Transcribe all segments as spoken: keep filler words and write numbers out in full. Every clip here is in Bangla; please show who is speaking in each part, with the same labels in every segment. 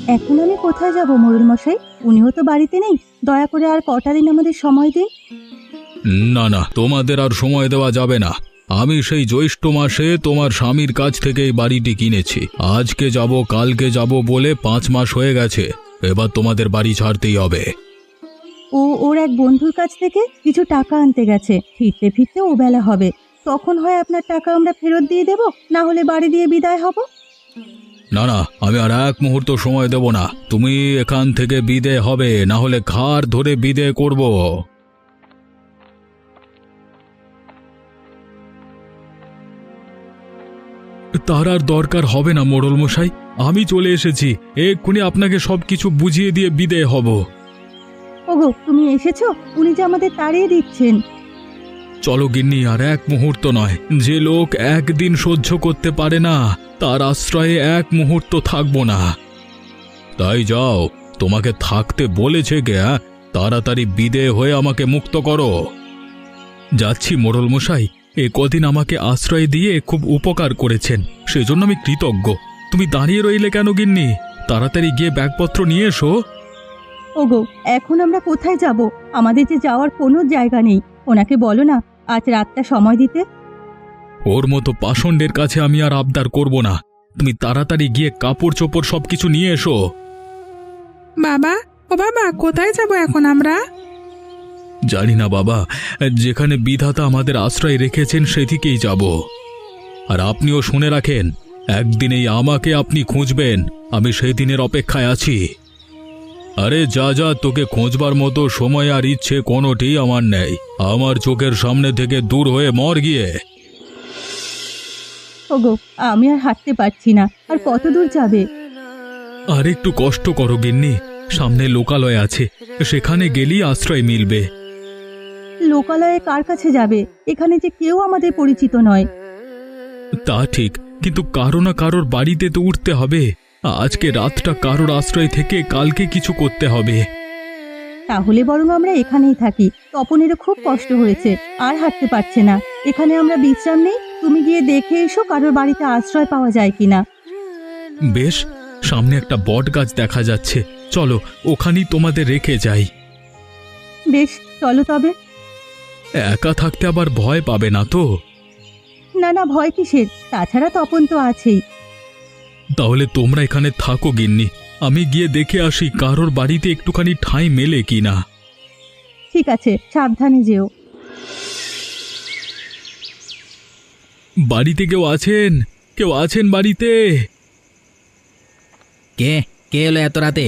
Speaker 1: এখন আমি কোথায় যাব মোড়ল মশাই? উনিও তো বাড়িতে নেই। দয়া করে আর কটা দিন আমাদের সময় দিন।
Speaker 2: না না, তোমাদের আর সময় দেওয়া যাবে না। আমি সেই জ্যৈষ্ঠ মাসে তোমার স্বামীর কাছ থেকে এই বাড়িটি কিনেছি। আজকে যাব কালকে যাব বলে পাঁচ মাস হয়ে গেছে। এবার তোমাদের বাড়ি ছাড়তেই হবে।
Speaker 1: ও ওর এক বন্ধুর কাছ থেকে কিছু টাকা আনতে গেছে, ফিরতে ফিরতে ও বেলা হবে। তখন হয় আপনার টাকা আমরা ফেরত দিয়ে দেব, না হলে বাড়ি দিয়ে বিদায় হব।
Speaker 2: না না, আমি আর এক মুহূর্ত সময় দেব না। তুমি এখান থেকে বিদে হবে, না হলে ঘাড় ধরে বিদে করব। তার আর দরকার হবে না মোড়ল মশাই, আমি চলে এসেছি। এক্ষুনি আপনাকে সবকিছু বুঝিয়ে দিয়ে বিদে হব।
Speaker 1: ওগো, তুমি এসেছো? উনি যে আমাদের তাড়িয়ে দিচ্ছেন।
Speaker 2: চলো গিন্নি, আর এক মুহূর্ত নয়। যে লোক একদিন সহ্য করতে পারে না, তার আশ্রয়ে এক মুহূর্ত থাকবো না। তাই যাও, তোমাকে থাকতে বলেছে কে? তাড়াতাড়ি বিদে হয়ে আমাকে মুক্ত করো। যাচ্ছি মোড়ল মশাই, এ কদিন আমাকে আশ্রয় দিয়ে খুব উপকার করেছেন, সেজন্য আমি কৃতজ্ঞ। তুমি দাঁড়িয়ে রইলে কেন গিন্নি? তাড়াতাড়ি গিয়ে ব্যাগপত্র নিয়ে এসো।
Speaker 1: ওগো, এখন আমরা কোথায় যাব? আমাদের যে যাওয়ার কোনো জায়গা নেই। ওনাকে বলো না আজ রাতটা সময় দিতে।
Speaker 2: ওর মতো পাষণ্ডের কাছে আমি আর আবদার করব না। তুমি তাড়াতাড়ি গিয়ে কাপড় চোপড় সবকিছু নিয়ে এসো।
Speaker 3: বাবা, ও বাবা, কোথায় যাব এখন আমরা?
Speaker 2: জানি না বাবা, যেখানে বিধাতা আমাদের আশ্রয় রেখেছেন সেদিকেই যাব। আর আপনিও শুনে রাখেন, একদিনেই আমাকে আপনি খুঁজবেন। আমি সেই দিনের অপেক্ষায় আছি। আরে যা যা, তোকে খোঁজবার মতো সময় আর ইচ্ছে কোনোটি আমার নেই। আমার চোখের সামনে থেকে দূর হয়ে মর গিয়ে।
Speaker 1: ওগো, আমি আর হাঁটতে পারছি না। আর কত দূর যাবে?
Speaker 2: আর একটু কষ্ট করো গিন্নি, সামনে লোকালয় আছে, সেখানে গেলেই আশ্রয় মিলবে।
Speaker 1: লোকালয়ে কার কাছে যাবে? এখানে যে কেউ আমাদের পরিচিত নয়।
Speaker 2: তা ঠিক, কিন্তু কারো না কারোর বাড়িতে তো উঠতে হবে। আজকে রাতটা কারোর আশ্রয় থেকে কালকে কিছু করতে হবে।
Speaker 1: তাহলে বরং আমরা এখানেই থাকি। তপনেরও খুব কষ্ট হয়েছে, আর হাঁটতে পারছে না। এখানে আমরা বিশ্রাম নেই। তুমি গিয়ে দেখে এসো কারোর বাড়িতে আশ্রয় পাওয়া যায় কিনা।
Speaker 2: বেশ, সামনে একটা বট গাছ দেখা যাচ্ছে, চলো ওখানেই তোমাদের রেখে যাই।
Speaker 1: বেশ, চলো তবে।
Speaker 2: একা থাকতে আবার ভয় পাবে না তো?
Speaker 1: না না, ভয় কিসের? তাছাড়া তপন তো আছেই।
Speaker 2: তাহলে তোমরা এখানে থাকো গিন্নি, আমি গিয়ে দেখে আসি কারোর বাড়িতে একটুখানি ঠাঁই মেলে কিনা।
Speaker 1: ঠিক আছে, সাবধানে যেও।
Speaker 2: বাড়িতে কেউ আছেন? কেউ আছেন বাড়িতে?
Speaker 4: কে কে এলো এত রাতে?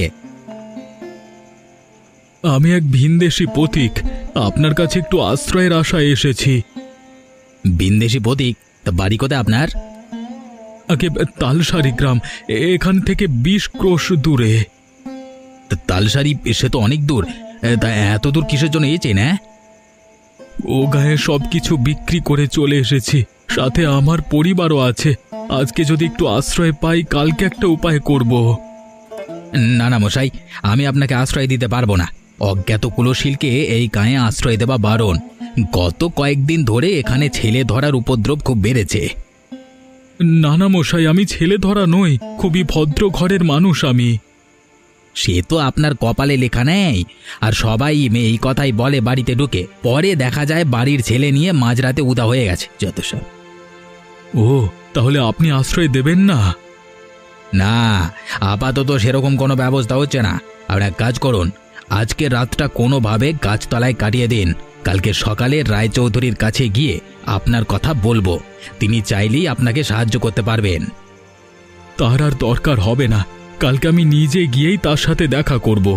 Speaker 2: আমি এক ভিনদেশী পথিক, আপনার কাছে একটু আশ্রয়ের আশায় এসেছি।
Speaker 4: ভিনদেশী পথিক? তা বাড়ি কোথায় আপনার?
Speaker 2: আগে তালসারি গ্রাম, এখান থেকে বিশ ক্রোশ দূরে।
Speaker 4: তা তালসারি, সে তো অনেক দূর। তা এত দূর কিসের জন্য এসেছেন? হ্যাঁ,
Speaker 2: ও গায়ে সবকিছু বিক্রি করে চলে এসেছি, সাথে আমার পরিবারও আছে। আজকে যদি একটু আশ্রয় পাই, কালকে একটা উপায় করব।
Speaker 4: না না মশাই, আমি আপনাকে আশ্রয় দিতে পারবো না। অজ্ঞাত কুলশীলকে এই গায়ে আশ্রয় দেওয়া বারণ। গত কয়েকদিন ধরে এখানে ছেলে ধরার উপদ্রব খুব বেড়েছে।
Speaker 2: নানা মশাই, আমি ছেলে ধরা নই, খুবই ভদ্র ঘরের মানুষ আমি।
Speaker 4: সে তো আপনার কপালে লেখা নেই। আর সবাই এই কথাই বলে বাড়িতে ঢুকে, পরে দেখা যায় বাড়ির ছেলে নিয়ে মাঝরাতে উদা হয়ে গেছে যত সব।
Speaker 2: ও, তাহলে আপনি আশ্রয় দেবেন না?
Speaker 4: না, আপাতত সেরকম কোনো ব্যবস্থা হচ্ছে না। আর এক কাজ করুন, আজকে রাতটা কোনোভাবে গাছতলায় কাটিয়ে দিন। কালকে সকালে রায়চৌধুরীর কাছে গিয়ে আপনার কথা বলবো, তিনি চাইলেই আপনাকে সাহায্য করতে পারবেন।
Speaker 2: তার আর দরকার হবে না, কালকে আমি নিজে গিয়েই তার সাথে দেখা করব।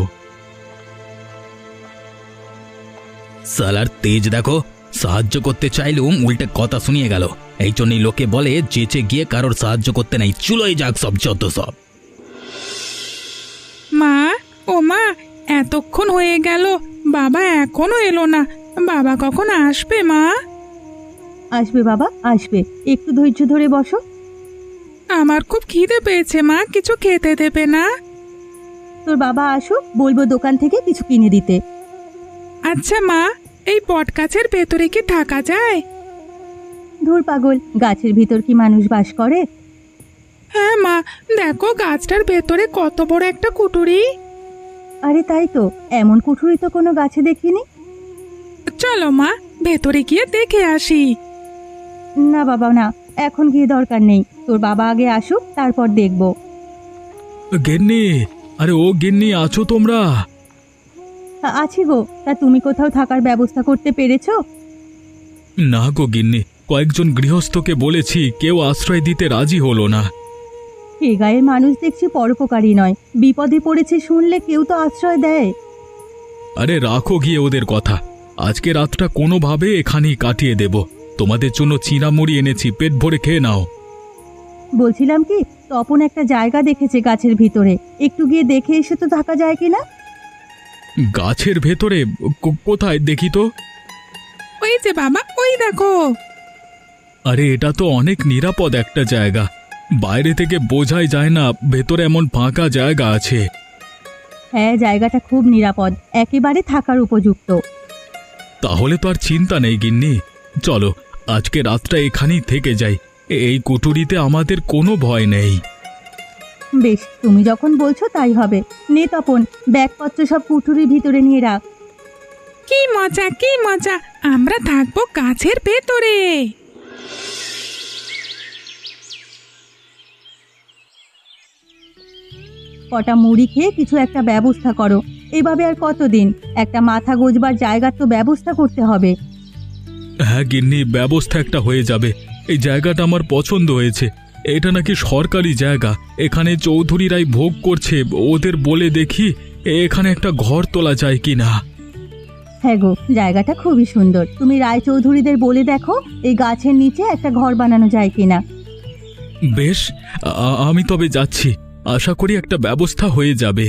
Speaker 4: সালার তেজ দেখো, সাহায্য করতে চাইলুম উল্টে কথা শুনিয়ে গেল। এই জন্যই লোকে বলে চেঁচে গিয়ে কারোর সাহায্য করতে নাই, চুলোই যাক সব যত সব।
Speaker 3: মা, ও মা, এতক্ষণ হয়ে গেল, বাবা এখনো এলো না। বাবা কখন আসবে মা?
Speaker 1: আসবে বাবা, আসবে। একটু ধৈর্য ধরে বসো।
Speaker 3: আমার খুব খিদে পেয়েছে মা, কিছু খেতে দেবে না?
Speaker 1: তোর বাবা আসুক, বলবো দোকান থেকে কিছু কিনে দিতে।
Speaker 3: আচ্ছা মা, এই বট গাছের ভেতরে কি থাকা যায়?
Speaker 1: ধুর পাগল, গাছের ভিতর কি মানুষ বাস করে?
Speaker 3: হ্যাঁ মা, দেখো গাছটার ভেতরে কত বড় একটা কুটুরি।
Speaker 1: আরে তাই তো, এমন কুঠুরি তো কোনো গাছে দেখিনি।
Speaker 3: চলো মা, ভেতরে গিয়ে দেখে আসি।
Speaker 1: না বাবা না, এখন গিয়ে দরকার নেই, তোর বাবা আগে আসুক তারপর দেখব।
Speaker 2: গিন্নি, আরে ও গিন্নি, আছো তোমরা?
Speaker 1: আ- আছি গো, তা তুমি কোথাও থাকার ব্যবস্থা করতে পেরেছো?
Speaker 2: না গো গিন্নি, কয়েকজন গৃহস্থকে বলেছি, কেউ আশ্রয় দিতে রাজি হলো না।
Speaker 1: এ গায়ের মানুষ দেখছি পরোপকারী নয়, বিপদে পড়েছে শুনলে কেউ তো আশ্রয় দেয়।
Speaker 2: আরে রাখো গিয়ে ওদের কথা, আজকে রাতটা কোনোভাবে এখানেই কাটিয়ে দেব। তোমাদের জন্য চিঁড়ামুড়ি এনেছি, পেট ভরে খেয়ে নাও।
Speaker 1: বলছিলাম কি, তপন একটা জায়গা দেখেছে গাছের ভিতরে, একটু গিয়ে দেখে এসে তো থাকা যায় কিনা?
Speaker 2: গাছের ভেতরে? কো- কোথায় দেখি তো।
Speaker 3: ওই যে বাবা, ওই দেখো।
Speaker 2: আরে এটা তো অনেক নিরাপদ একটা জায়গা, বাইরে থেকে বোঝাই যায় না ভেতরে এমন ফাঁকা জায়গা আছে।
Speaker 1: হ্যাঁ, জায়গাটা খুব নিরাপদ, একেবারে থাকার উপযুক্ত।
Speaker 2: তাহলে তো আর চিন্তা নেই গিন্নি, চলো আজকে রাতটা এখানেই থেকে যাই। এ- এই কুটুরিতে আমাদের কোনো ভয় নেই।
Speaker 1: বেশ, তুমি যখন বলছো তাই হবে। নে তপন, ব্যাগপত্র সব কুঠুরির ভিতরে নিয়ে রাখ।
Speaker 3: কি মজা, কি মজা, আমরা থাকবো গাছের ভেতরে।
Speaker 1: কটা মুড়ি খেয়ে কিছু একটা ব্যবস্থা করো, এভাবে আর কতদিন? একটা মাথা গোজবার জায়গার তো ব্যবস্থা করতে হবে।
Speaker 2: হ্যাঁ গিন্নি, ব্যবস্থা একটা হয়ে যাবে। এই জায়গাটা আমার পছন্দ হয়েছে, এটা নাকি সরকারি জায়গা, এখানে চৌধুরীরাই ভোগ করছে। ওদের বলে দেখি এখানে একটা ঘর তোলা যায় কি না।
Speaker 1: হ্যাঁ গো, জায়গাটা খুবই সুন্দর, তুমি রায়চৌধুরীদের বলে দেখো এই গাছের নিচে একটা ঘর বানানো যায় কিনা।
Speaker 2: বেশ, আ- আমি তবে যাচ্ছি, আশা করি একটা ব্যবস্থা হয়ে যাবে।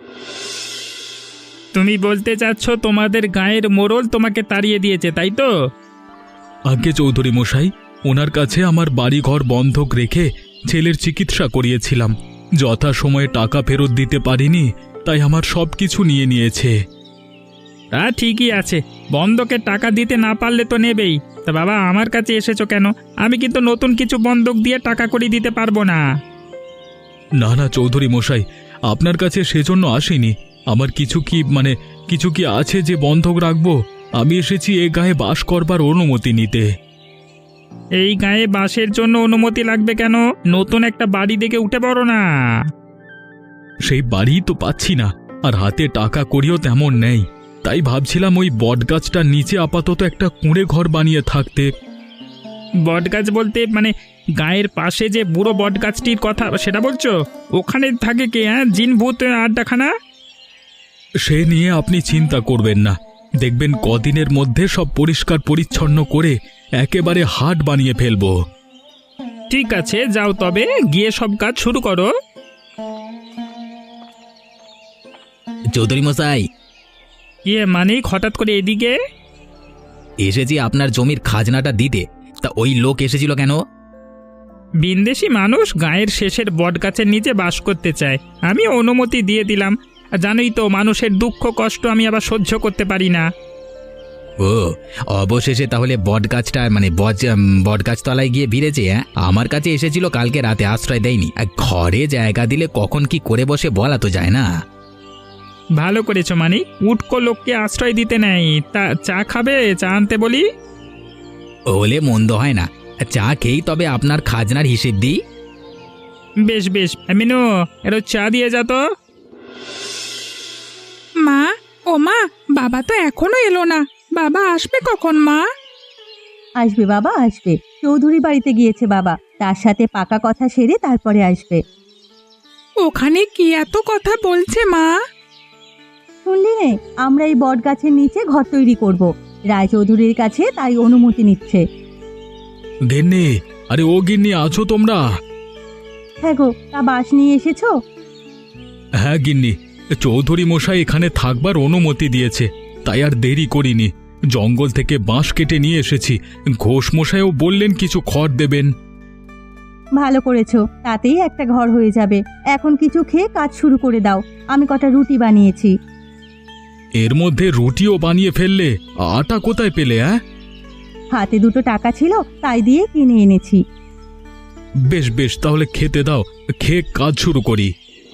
Speaker 5: তুমি বলতে চাচ্ছ তোমাদের গায়ের মোড়ল তোমাকে তাড়িয়ে দিয়েছে, তাই তো?
Speaker 2: আজ্ঞে চৌধুরী মশাই, ওনার কাছে আমার বাড়িঘর বন্ধক রেখে ছেলের চিকিৎসা করিয়েছিলাম, যথাসময়ে টাকা ফেরত দিতে পারিনি, তাই আমার সব কিছু নিয়ে নিয়েছে।
Speaker 5: তা ঠিকই আছে, বন্ধকের টাকা দিতে না পারলে তো নেবেই। তা বাবা, আমার কাছে এসেছো কেন? আমি কিন্তু নতুন কিছু বন্ধক দিয়ে টাকা করে দিতে পারবো না।
Speaker 2: না না চৌধুরী মশাই, আপনার কাছে সেজন্য আসিনি। আমার কিছু কি মানে কিছু কি আছে যে বন্ধক রাখবো? আমি এসেছি এ গায়ে বাস করবার অনুমতি নিতে।
Speaker 5: এই গায়ে বাসের জন্য অনুমতি লাগবে কেন? নতুন একটা বাড়ি দেখে উঠে পড়ো না।
Speaker 2: সেই বাড়ি তো পাচ্ছি না, আর হাতে টাকা করিও তেমন নেই, তাই ভাবছিলাম ওই বটগাছটার নিচে আপাতত একটা কুঁড়ে ঘর বানিয়ে থাকতে।
Speaker 5: বটগাছ বলতে মানে গায়ের পাশে যে বুড়ো বটগাছটির কথা সেটা বলছো? ওখানে থাকে কে? হ্যাঁ, জিন ভূত আড্ডাখানা?
Speaker 2: সে নিয়ে আপনি চিন্তা করবেন না, দেখবেন কদিনের মধ্যে সব পরিষ্কার পরিচ্ছন্ন করে একেবারে হাট বানিয়ে ফেলবো।
Speaker 5: ঠিক আছে, যাও তবে, গিয়ে সব কাজ শুরু করো।
Speaker 4: চৌধুরী মশাই,
Speaker 5: ইয়ে মানিক, হঠাৎ করে এদিকে?
Speaker 4: এসেছি আপনার জমির খাজনাটা দিতে। তা ওই লোক এসেছিল কেন?
Speaker 5: বিন্দেশি মানুষ গায়ের শেষের বটগাছের নিচে বাস করতে চায়, আমি অনুমতি দিয়ে দিলাম। আর জানোই তো, মানুষের দুঃখ কষ্ট আমি আবার সহ্য করতে পারি না।
Speaker 4: ও, অবশেষে তাহলে বটগাছটা মানে বট বটগাছ তলায় গিয়ে ভিড়েছে। হ্যাঁ, আমার কাছে এসেছিল কালকে রাতে, আশ্রয় দেয়নি। আর ঘরে জায়গা দিলে কখন কি করে বসে বলা তো যায় না।
Speaker 5: ভালো করেছো মানিক, উটকো লোককে আশ্রয় দিতে নেই। তা চা খাবে? চা আনতে বলি?
Speaker 4: হলে মন্দ হয় না, চা খেয়েই তবে আপনার খাজনার হিসেব দিই।
Speaker 5: বেশ বেশ, মিনু, এরো চা দিয়ে যা তো।
Speaker 3: মা, ও মা, বাবা তো এখনো এলো না, বাবা আসবে কখন মা?
Speaker 1: আসবে বাবা, আসবে। চৌধুরী বাড়িতে গিয়েছে বাবা, তার সাথে পাকা কথা সেরে তারপরে আসবে।
Speaker 3: ওখানে কি এত কথা বলছে মা?
Speaker 1: শুনলি নে, আমরা এই বট গাছের নিচে ঘর তৈরি করব, রায়চৌধুরীর কাছে তাই অনুমতি নিচ্ছে।
Speaker 2: গিন্নি, আরে ও গিন্নি, আছো তোমরা?
Speaker 1: হ্যাঁ গো, তা বাস নিয়ে এসেছো?
Speaker 2: হ্যাঁ গিন্নি, চৌধুরী মশাই এখানে থাকবার অনুমতি দিয়েছে, তাই আর দেরি করিনি। জঙ্গল থেকে বাঁশ কেটে নিয়ে এসেছি, ঘোষ মশাইও বললেন কিছু খড় দেবেন।
Speaker 1: ভালো করেছো, তাতেই একটা ঘর হয়ে যাবে। এখন কিছু খেয়ে কাজ শুরু করে দাও, আমি কটা রুটি বানিয়েছি।
Speaker 2: এর মধ্যে রুটিও বানিয়ে ফেললে? আটা কোথায় পেলে? হ্যাঁ,
Speaker 1: হাতে দুটো টাকা ছিল, তাই দিয়ে কিনে এনেছি।
Speaker 2: বেশ বেশ, তাহলে খেতে দাও, খেয়ে কাজ শুরু করি।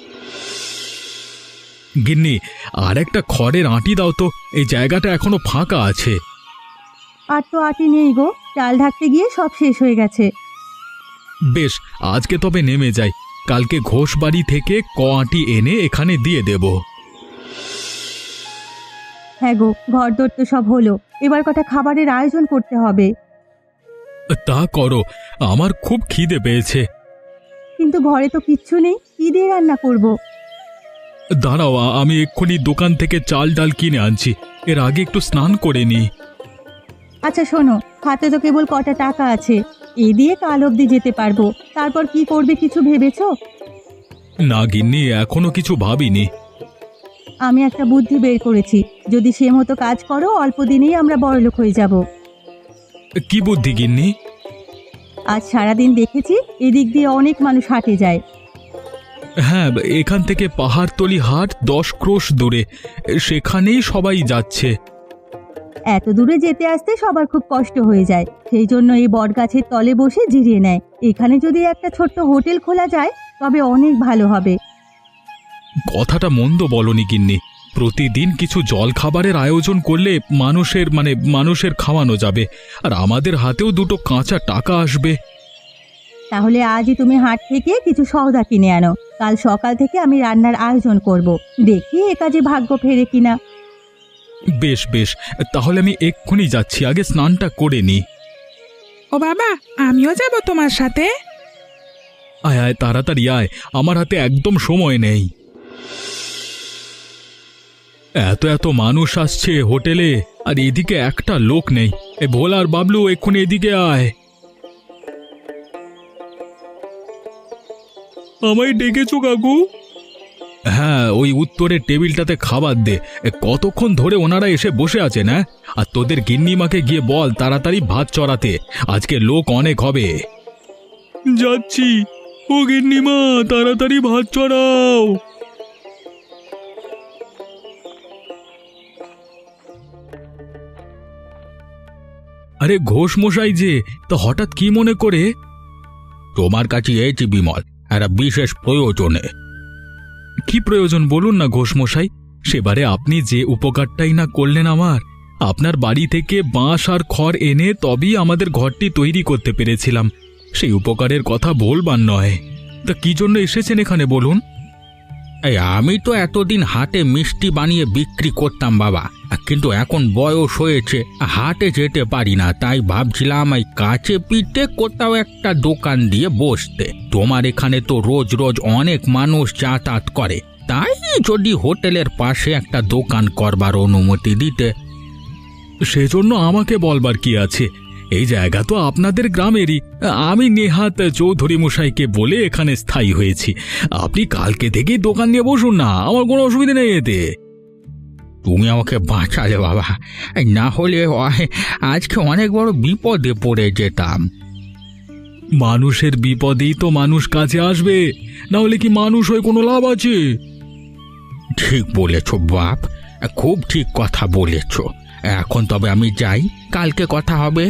Speaker 2: গিন্নি, আর একটা খড়ের আঁটি দাও তো, এই জায়গাটা এখনো ফাঁকা আছে।
Speaker 1: আর তো আটি নেই গো, চাল ঢাকতে গিয়ে সব শেষ হয়ে গেছে।
Speaker 2: বেশ, আজকে তবে নেমে যাই, কালকে ঘোষ বাড়ি থেকে ক আঁটি এনে এখানে দিয়ে দেব।
Speaker 1: হ্যাঁ গো, ঘরদোর তো সব হলো, এবার কটা খাবারের আয়োজন করতে হবে।
Speaker 2: তা করো, আমার খুব খিদে পেয়েছে।
Speaker 1: কিন্তু ঘরে তো কিচ্ছু নেই, কি দিয়ে রান্না করব?
Speaker 2: দাঁড়াও, আ- আমি এক্ষুনি দোকান থেকে চাল ডাল কিনে আনছি, এর আগে একটু স্নান করে নি।
Speaker 1: আচ্ছা শোনো, হাতে তো কেবল কটা টাকা আছে, এই দিয়ে কাল অবধি যেতে পারবো, তারপর কি করবে কিছু ভেবেছো?
Speaker 2: না গিন্নি, এখনো কিছু ভাবিনি।
Speaker 1: আমি একটা বুদ্ধি বের করেছি, যদি সে মতো কাজ করো অল্প দিনেই আমরা বড়লোক হয়ে যাব।
Speaker 2: কি বুদ্ধি গিন্নি?
Speaker 1: আজ সারাদিন দেখেছি এদিক দিয়ে অনেক মানুষ হাটে যায়।
Speaker 2: হ্যাঁ, এখান থেকে পাহাড়তলি হাট দশ ক্রোশ দূরে, সেখানেই সবাই যাচ্ছে।
Speaker 1: এত দূরে যেতে আসতে সবার খুব কষ্ট হয়ে যায়, সেই জন্য এই বটগাছের তলে বসে জিরিয়ে নেয়। এখানে যদি একটা ছোট্ট হোটেল খোলা যায় তবে অনেক ভালো হবে।
Speaker 2: কথাটা মন্দ বলনি গিন্নি, প্রতিদিন কিছু জল খাবারের আয়োজন করলে মানুষের মানে মানুষের খাওয়ানো যাবে, আর আমাদের হাতেও দুটো কাঁচা টাকা আসবে।
Speaker 1: তাহলে আজই তুমি হাট থেকে কিছু সওদা কিনে আনো, কাল সকাল থেকে আমি রান্নার আয়োজন করব, দেখি এ কাজে ভাগ্য ফেরে কিনা।
Speaker 2: বেশ বেশ, তাহলে আমি এক্ষুনি যাচ্ছি, আগে স্নানটা করে নি।
Speaker 3: ও বাবা, আমিও যাব তোমার সাথে।
Speaker 2: আয় আয়, তাড়াতাড়ি আয়, আমার হাতে একদম সময় নেই। এত এত মানুষ আসছে হোটেলে, আর এদিকে একটা লোক নেই। এ ভোলা আর বাবলু, এক্ষুনি এদিকে আয়। আমায় ডেকেছো কাকু? হ্যাঁ, ওই উত্তরের টেবিলটাতে খাবার দে, এ কতক্ষণ ধরে ওনারা এসে বসে আছেন। হ্যাঁ, আর তোদের গিন্নিমাকে গিয়ে বল তাড়াতাড়ি ভাত চড়াতে, আজকে লোক অনেক হবে। যাচ্ছি। ও গিন্নিমা, তাড়াতাড়ি ভাত চড়াও। আরে ঘোষ মশাই যে, তো হঠাৎ কি মনে করে? তোমার কাছে এসেছি বিমল, একটা বিশেষ প্রয়োজনে। কি প্রয়োজন বলুন না ঘোষ মশাই, সেবারে আপনি যে উপকারটাই না করলেন আমার। আপনার বাড়ি থেকে বাঁশ আর খড় এনে তবেই আমাদের ঘরটি তৈরি করতে পেরেছিলাম, সেই উপকারের কথা বলবার নয়। তা কি জন্য এসেছেন এখানে বলুন?
Speaker 4: এই আমি তো এতদিন হাটে মিষ্টি বানিয়ে বিক্রি করতাম বাবা, কিন্তু এখন বয়স হয়েছে, হাটে যেতে পারি না, তাই ভাবছিলাম এই কাছে পিঠে কোথাও একটা দোকান দিয়ে বসতে। তোমার এখানে তো রোজ রোজ অনেক মানুষ যাতায়াত করে, তাই যদি হোটেলের পাশে একটা দোকান করবার অনুমতি দিতে।
Speaker 2: সেজন্য আমাকে বলবার কি আছে, এই জায়গা তো আপনাদের গ্রামেরই। আমি নেহাত চৌধুরী মশাইকে বলে এখানে স্থায়ী হয়েছি। আপনি কালকে থেকেই দোকান নিয়ে বসুন না, আমার কোনো অসুবিধা নেই এতে।
Speaker 4: তুমি আমাকে বাঁচালে বাবা, এই না হলে অ- আজকে অনেক বড় বিপদে পড়ে যেতাম।
Speaker 2: মানুষের বিপদেই তো মানুষ কাছে আসবে, না হলে কি মানুষ হয়ে কোনো লাভ আছে?
Speaker 4: ঠিক বলেছ বাপ, খুব ঠিক কথা বলেছ। এখন তবে আমি যাই, কালকে কথা হবে।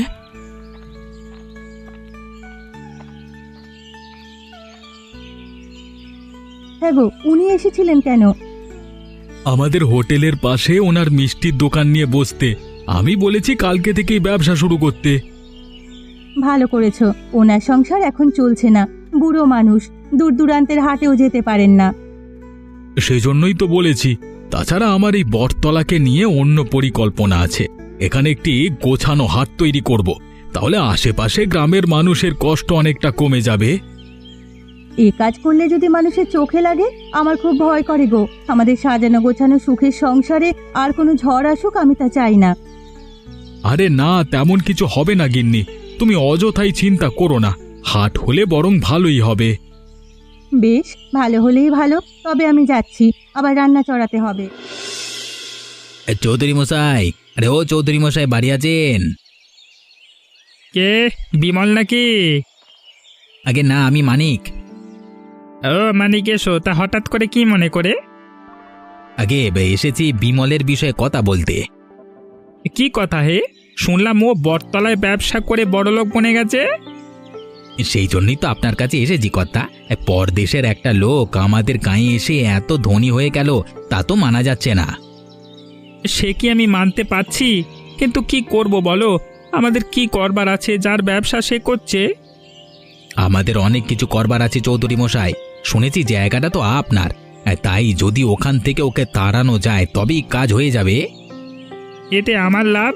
Speaker 1: হ্যাঁ গো, উনি এসেছিলেন কেন?
Speaker 2: আমাদের হোটেলের পাশে ওনার মিষ্টির দোকান নিয়ে বসতে। আমি বলেছি কালকে থেকেই ব্যবসা শুরু করতে।
Speaker 1: ভালো করেছো, ওনার সংসার এখন চলছে না, বুড়ো মানুষ, দূর দূরান্তের হাটেও যেতে পারেন না।
Speaker 2: সেজন্যই তো বলেছি। তাছাড়া আমার এই বটতলাকে নিয়ে অন্য পরিকল্পনা আছে। এখানে একটি গোছানো হাট তৈরি করব, তাহলে আশেপাশে গ্রামের মানুষের কষ্ট অনেকটা কমে যাবে।
Speaker 1: এই কাজ করলে যদি মানুষের চোখে লাগে, আমার খুব ভয় করে গো। আমাদের সাজানো গোছানো সুখের সংসারে আর কোনো ঝড় আসুক, আমি তা চাই না।
Speaker 2: আরে না, তেমন কিছু হবে না গিন্নি, তুমি অযথাই চিন্তা করো না। হাট হলে বরং ভালোই হবে।
Speaker 1: বেশ, ভালো হলেই ভালো, তবে আমি যাচ্ছি, আবার রান্না চড়াতে হবে।
Speaker 4: এ, চৌধুরী মশাই, আরে ও চৌধুরী মশাই, বাড়ি আছেন?
Speaker 5: কে, বিমল নাকি?
Speaker 4: আগে না, আমি মানিক।
Speaker 5: ও মানিক, এসো। তা হঠাৎ করে কি মনে করে?
Speaker 4: আগে বে, এসেছি বিমলের বিষয়ে কথা বলতে।
Speaker 5: কি কথা হে? শুনলাম ও বটতলায় ব্যবসা করে বড়লোক বনে গেছে।
Speaker 4: সেই জন্যই তো আপনার কাছে এসেছি কর্তা। পরদেশের একটা লোক আমাদের গাঁয়ে এসে এত ধনী হয়ে গেল, তা তো মানা যাচ্ছে না।
Speaker 5: সে কি আমি মানতে পারছি, কিন্তু কি করব বলো? আমাদের কি করবার আছে? যার ব্যবসা সে করছে।
Speaker 4: আমাদের অনেক কিছু করবার আছে চৌধুরী মশাই। শুনেছি জায়গাটা তো আপনার, তাই যদি ওখান থেকে ওকে তাড়ানো যায় তবেই কাজ হয়ে যাবে।
Speaker 5: এতে আমার লাভ?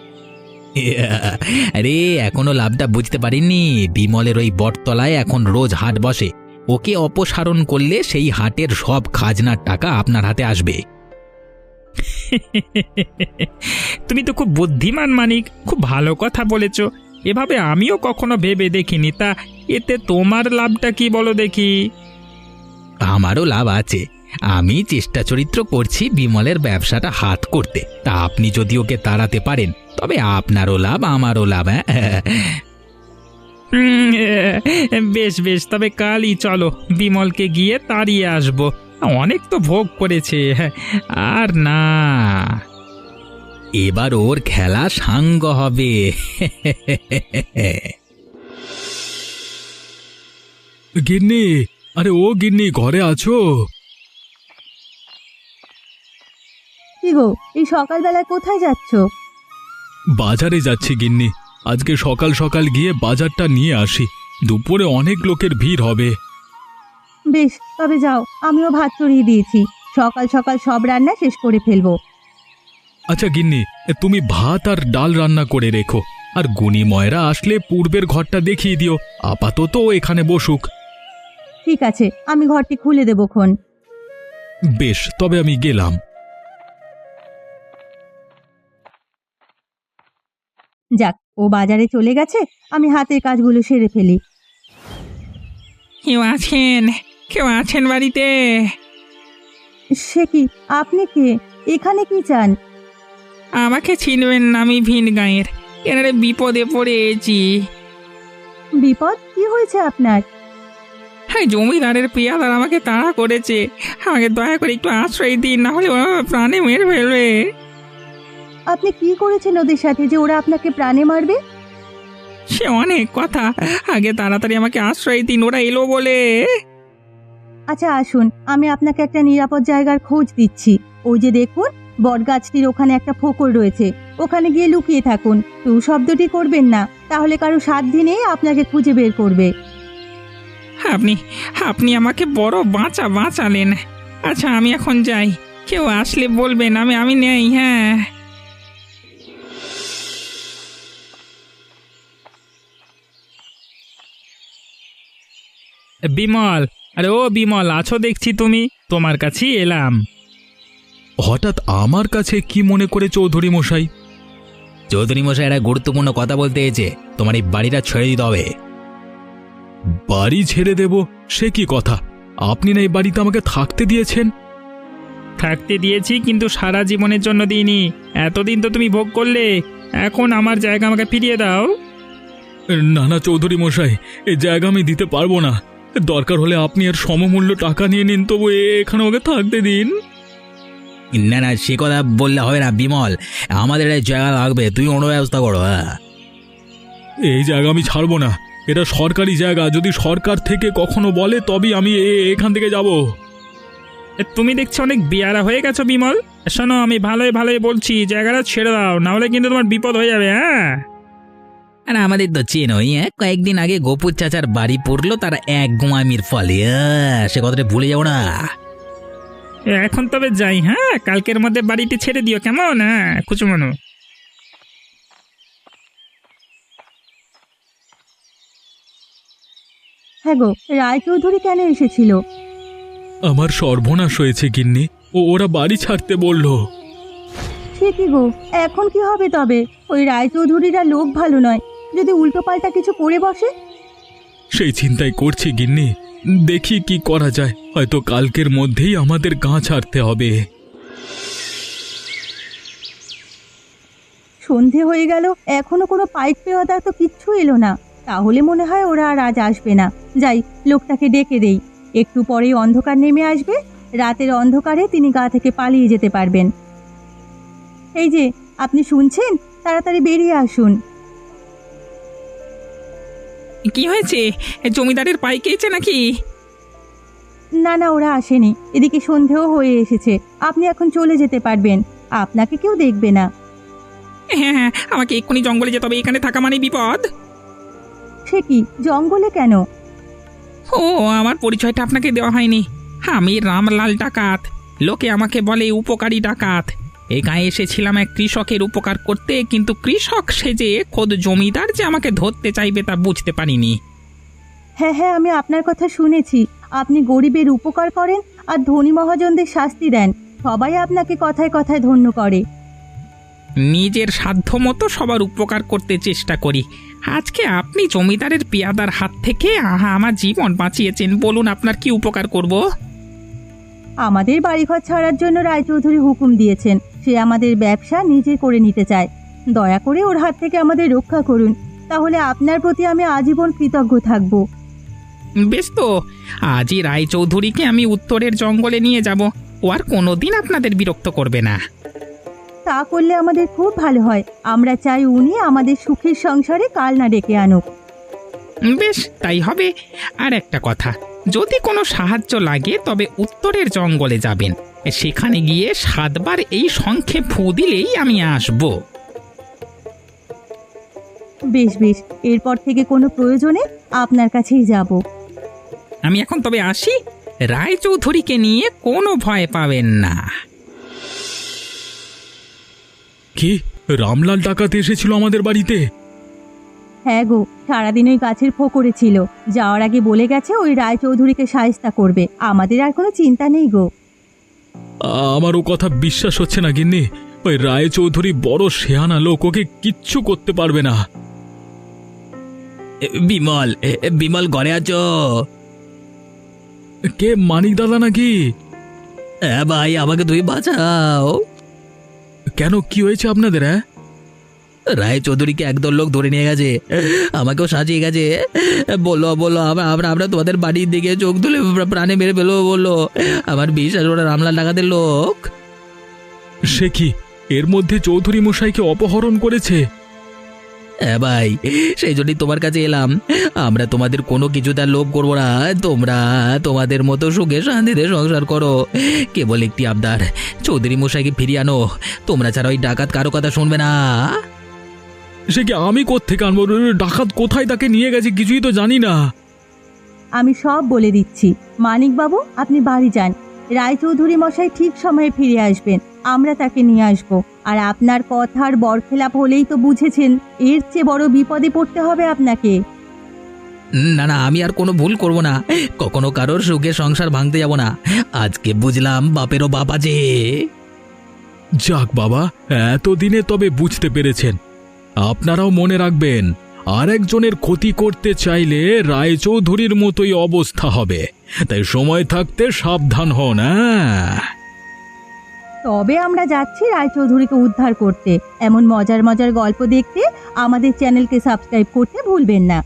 Speaker 4: আরে এখনো লাভটা বুঝতে পারিনি। বিমলের ওই বটতলায় এখন রোজ হাট বসে, ওকে অপসারণ করলে সেই হাটের সব খাজনার টাকা আপনার হাতে আসবে।
Speaker 5: তুমি তো খুব বুদ্ধিমান মানিক, খুব ভালো কথা বলেছ। এভাবে আমিও কখনো ভেবে দেখিনি। তা এতে তোমার লাভটা কি বলো দেখি?
Speaker 4: আমারও লাভ আছে। আমি চেষ্টা চরিত্র করছি বিমলের ব্যবসাটা হাত করতে। তা আপনি যদি ওকে তাড়াতে পারেন তবে আপনারও লাভ আমারও লাভ। হ্যাঁ,
Speaker 5: হুম, বেশ বেশ, তবে কালই চলো, বিমলকে গিয়ে তাড়িয়ে আসবো। অনেক তো ভোগ করেছে, আর না।
Speaker 4: এবার ওর খেলা সাঙ্গ হবে।
Speaker 2: গিন্নি, আরে ও গিন্নি, ঘরে আছো?
Speaker 1: কি গো, এই সকালবেলায় কোথায় যাচ্ছ?
Speaker 2: বাজারে যাচ্ছি গিন্নি। আজকে সকাল সকাল গিয়ে বাজারটা নিয়ে আসি, দুপুরে অনেক লোকের ভিড় হবে।
Speaker 1: বেশ, তবে যাও, আমিও ভাত চড়িয়ে দিয়েছি। সকাল সকাল সব রান্না শেষ করে ফেলবো।
Speaker 2: আচ্ছা গিন্নি, তুমি ভাত আর ডাল রান্না করে রেখো, আর গুণী ময়রা আসলে পূর্বের ঘরটা দেখিয়ে দিও। আপাতত ও এখানে বসুক।
Speaker 1: ঠিক আছে, আমি ঘরটি খুলে দেবো খন।
Speaker 2: বেশ, তবে আমি গেলাম।
Speaker 1: যাক, ও বাজারে চলে গেছে, আমি হাতের কাজগুলো সেরে ফেলি।
Speaker 3: কেউ আছেন? কেউ আছেন বাড়িতে?
Speaker 1: সে কি, আপনি কে? এখানে কি চান?
Speaker 3: আমাকে চিনবেন না, আমি ভিন গাঁয়ের। এনারে বিপদে পড়েছি।
Speaker 1: বিপদ? কি হয়েছে আপনার?
Speaker 3: হ্যাঁ, জমিদারের পিয়াদার আমাকে তাড়া করেছে। আমাকে দয়া করে একটু আশ্রয় দিন, না হলে ওরা প্রাণে মেরে ফেলবে।
Speaker 1: আপনি কি করেছেন ওদের সাথে যে ওরা আপনাকে প্রাণে মারবে?
Speaker 3: সে অনেক কথা, আগে তাড়াতাড়ি আমাকে আশ্রয় দিন, ওরা এলো বলে।
Speaker 1: আচ্ছা আসুন, আমি আপনাকে একটা নিরাপদ জায়গার খোঁজ দিচ্ছি। ওই যে দেখুন, বটগাছটির ওখানে একটা ফোকর রয়েছে, ওখানে গিয়ে লুকিয়ে থাকুন। টু শব্দটি করবেন না, তাহলে কারো সাধ্যি নেই আপনাকে খুঁজে বের করবে।
Speaker 3: আপনি আপনি আমাকে বড় বাঁচা বাঁচালেন। আচ্ছা, আমি এখন যাই। কেউ আসলে বলবেন আমি আমি নেই। হ্যাঁ,
Speaker 5: বিমল, আরে ও বিমল, আছো দেখছি তুমি। তোমার কাছেই এলাম।
Speaker 2: হঠাৎ আমার কাছে কি মনে করে চৌধুরী মশাই?
Speaker 4: চৌধুরী মশাই একটা গুরুত্বপূর্ণ কথা বলতে এসেছে। তোমার এই বাড়িটা ছেড়ে দিতে হবে।
Speaker 2: বাড়ি ছেড়ে দেব? সে কি কথা? আপনি না এই বাড়িতে আমাকে থাকতে দিয়েছেন।
Speaker 5: থাকতে দিয়েছি, কিন্তু সারা জীবনের জন্য দিইনি। এতদিন তো তুমি ভোগ করলে, এখন আমার জায়গা আমাকে ফিরিয়ে দাও।
Speaker 2: না না চৌধুরী মশাই, এই জায়গা আমি দিতে পারবো না। দরকার হলে আপনি এর সমমূল্য টাকা নিয়ে নিন, তবু এখানে ওকে থাকতে দিন।
Speaker 4: না না, সে কথা বললে হবে না বিমল। আমাদের এই জায়গা লাগবে, তুমি অন্য ব্যবস্থা করো। হ্যাঁ,
Speaker 2: এই জায়গা আমি ছাড়বো না। এটা সরকারি জায়গা, যদি সরকার থেকে কখনো বলে তবেই আমি এ- এখান থেকে যাব।
Speaker 5: এ, তুমি দেখছি অনেক বিয়ারা হয়ে গেছো বিমল। শোনো, আমি ভালোই ভালোই বলছি, জায়গাটা ছেড়ে দাও, না হলে কিন্তু তোমার বিপদ হয়ে যাবে। হ্যাঁ,
Speaker 4: আর আমাদের তো চেনই। হ্যাঁ, কয়েকদিন আগে গোপুর চাচার বাড়ি পড়লো, তার এক গোয়ামির ফলে। আহ, সে কথাটা ভুলে যাও না।
Speaker 5: এখন তবে যাই। হ্যাঁ, কালকের মধ্যে বাড়িটি ছেড়ে দিও, কেমন? হ্যাঁ, কুচুমানো।
Speaker 1: হ্যাঁ গো, রায়চৌধুরী কেন এসেছিল?
Speaker 2: আমার সর্বনাশ হয়েছে গিন্নি, ও ওরা বাড়ি ছাড়তে বলল।
Speaker 1: সে কি গো, এখন কি হবে তবে? ওই রায়চৌধুরীরা লোক ভালো নয়, যদি উল্টোপাল্টা কিছু করে বসে।
Speaker 2: সেই চিন্তাই করছি গিন্নি, দেখি কি করা যায়। হয়তো কালকের মধ্যেই আমাদের গাঁ ছাড়তে হবে।
Speaker 1: সন্ধে হয়ে গেল, এখনো কোনো পাইক পেওয়াদা তো কিচ্ছু এলো না। তাহলে মনে হয় ওরা আর আজ আসবে না। যাই, লোকটাকে ডেকে দেই। একটু পরেই অন্ধকার নেমে আসবে, রাতের অন্ধকারে তিনি গা থেকে পালিয়ে যেতে পারবেন। এই যে, আপনি শুনছেন? তাড়াতাড়ি বেরিয়ে আসুন।
Speaker 3: কি হয়েছে? জমিদারের পাই খেয়েছে নাকি?
Speaker 1: না না, ওরা আসেনি। এদিকে সন্ধেও হয়ে এসেছে। আপনি এখন চলে যেতে পারবেন, আপনাকে কেউ দেখবে না।
Speaker 3: হ্যাঁ হ্যাঁ, আমাকে এক্ষুনি জঙ্গলে যেতে হবে, এখানে থাকা মানে বিপদ।
Speaker 1: সে কি, জঙ্গলে কেন?
Speaker 3: ও, আমার পরিচয়টা আপনাকে দেওয়া হয়নি। আমি রামলাল ডাকাত। লোকে আমাকে বলে উপকারী ডাকাত। এই গায়ে এসেছিলাম এক কৃষকের উপকার করতে, কিন্তু কৃষক সেজে খোদ জমিদার যে আমাকে ধরতে চাইবে তা বুঝতে পারিনি।
Speaker 1: হ্যাঁ হ্যাঁ, আমি আপনার কথা শুনেছি। আপনি গরিবের উপকার করেন আর ধনী মহাজনদের শাস্তি দেন। সবাই আপনাকে কথায় কথায় ধন্য করে।
Speaker 3: নিজের সাধ্য মতো সবার উপকার করতে চেষ্টা করি। আজকে আপনি জমিদারের পেয়াদার হাত থেকে আহা আমার জীবন বাঁচিয়েছেন। বলুন আপনার কি উপকার করব?
Speaker 1: আমাদের বাড়িঘর ছাড়ার জন্য রায়চৌধুরী হুকুম দিয়েছেন। সে আমাদের ব্যবসা নিজে করে নিতে চায়। দয়া করে ওর হাত থেকে আমাদের রক্ষা করুন, তাহলে আপনার প্রতি আমি আজীবন কৃতজ্ঞ থাকব।
Speaker 3: বেশ তো, আজই রায়চৌধুরীকে আমি উত্তরের জঙ্গলে নিয়ে যাব। ও আর কোনোদিন আপনাদের বিরক্ত করবে না।
Speaker 1: তা করলে আমাদের খুব ভালো হয়। আমরা চাই উনি আমাদের সুখের সংসারে কাল না ডেকে আনুক।
Speaker 3: বেশ, তাই হবে। আর একটা কথা, যদি কোনো সাহায্য লাগে তবে উত্তরের জঙ্গলে যাবেন। সেখানে গিয়ে সাতবার এই শঙ্খে ফু দিলেই আমি আসব।
Speaker 1: বেশ বেশ, এরপর থেকে কোনো প্রয়োজনে আপনার কাছেই যাব।
Speaker 3: আমি এখন তবে আসি। রায়চৌধুরীকে নিয়ে কোনো ভয় পাবেন না।
Speaker 2: কি, রামলাল ডাকাত এসেছিল আমাদের বাড়িতে?
Speaker 1: হ্যাঁ গো, সারাদিন ওই গাছের ফোকরে ছিল। যাওয়ার আগে বলে গেছে ওই রায়চৌধুরীকে শায়েস্তা করবে। আমাদের আর কোনো চিন্তা নেই গো।
Speaker 2: আমার ও কথা বিশ্বাস হচ্ছে না গিন্নি। ওই রায়চৌধুরী বড় শেয়ানা লোক, ওকে কিচ্ছু করতে পারবে না।
Speaker 4: বিমল, বিমল ঘরে আছো?
Speaker 2: কে, মানিক দাদা নাকি?
Speaker 4: হ্যাঁ ভাই, আমাকে তুমি বাঁচাও।
Speaker 2: কেন, কি হয়েছে আপনাদের? হ্যাঁ,
Speaker 4: রায় চৌধুরীকে একদল লোক ধরে নিয়ে গেছে, আমাকেও সাজিয়ে গেছে। বললো বললো আমরা আমরা আমরা তোমাদের বাড়ির দিকে চোখ তুলে প্রাণে মেরে ফেলবো বললো। আমার বিশ্বাস, ওরা রামলাল ডাকাতের লোক।
Speaker 2: সে কি, এর মধ্যে চৌধুরী মশাইকে অপহরণ করেছে?
Speaker 4: হ্যাঁ ভাই, সেই জন্যই তোমার কাছে এলাম। আমরা তোমাদের কোনো কিছু তার লোভ করবো না। তোমরা তোমাদের মতো সুখে শান্তিতে সংসার করো। কেবল একটি আবদার, চৌধুরী মশাইকে ফিরিয়ে আনো। তোমরা ছাড়া ওই ডাকাত কারো কথা শুনবে না।
Speaker 2: সে কি, আমি কোত্থেকে আনবো? ডাকাত কোথায় তাকে নিয়ে গেছে কিছুই তো জানি না।
Speaker 1: আমি সব বলে দিচ্ছি। মানিকবাবু, আপনি বাড়ি যান। রায়চৌধুরী মশাই ঠিক সময়ে ফিরে আসবেন। আমরা তাকে নিয়ে আসব। আর আপনার কথার বরখেলাপ হলেই তো বুঝেছেন, এর চেয়ে বড় বিপদে পড়তে হবে আপনাকে।
Speaker 4: না না, আমি আর কোনো ভুল করব না। কখনো কারোর সুখে সংসার ভাঙতে যাব না। আজকে বুঝলাম বাপেরও বাপ আছে।
Speaker 2: যাক বাবা, এতদিনে তবে বুঝতে পেরেছেন। আপনারাও মনে রাখবেন, আরেকজনের ক্ষতি করতে চাইলে রায়চৌধুরীর মতোই অবস্থা হবে। তাই সময় থাকতে সাবধান হন। হ্যাঁ,
Speaker 1: তবে আমরা যাচ্ছি রায়চৌধুরীকে উদ্ধার করতে। এমন মজার মজার গল্প দেখতে আমাদের চ্যানেলকে সাবস্ক্রাইব করতে ভুলবেন না।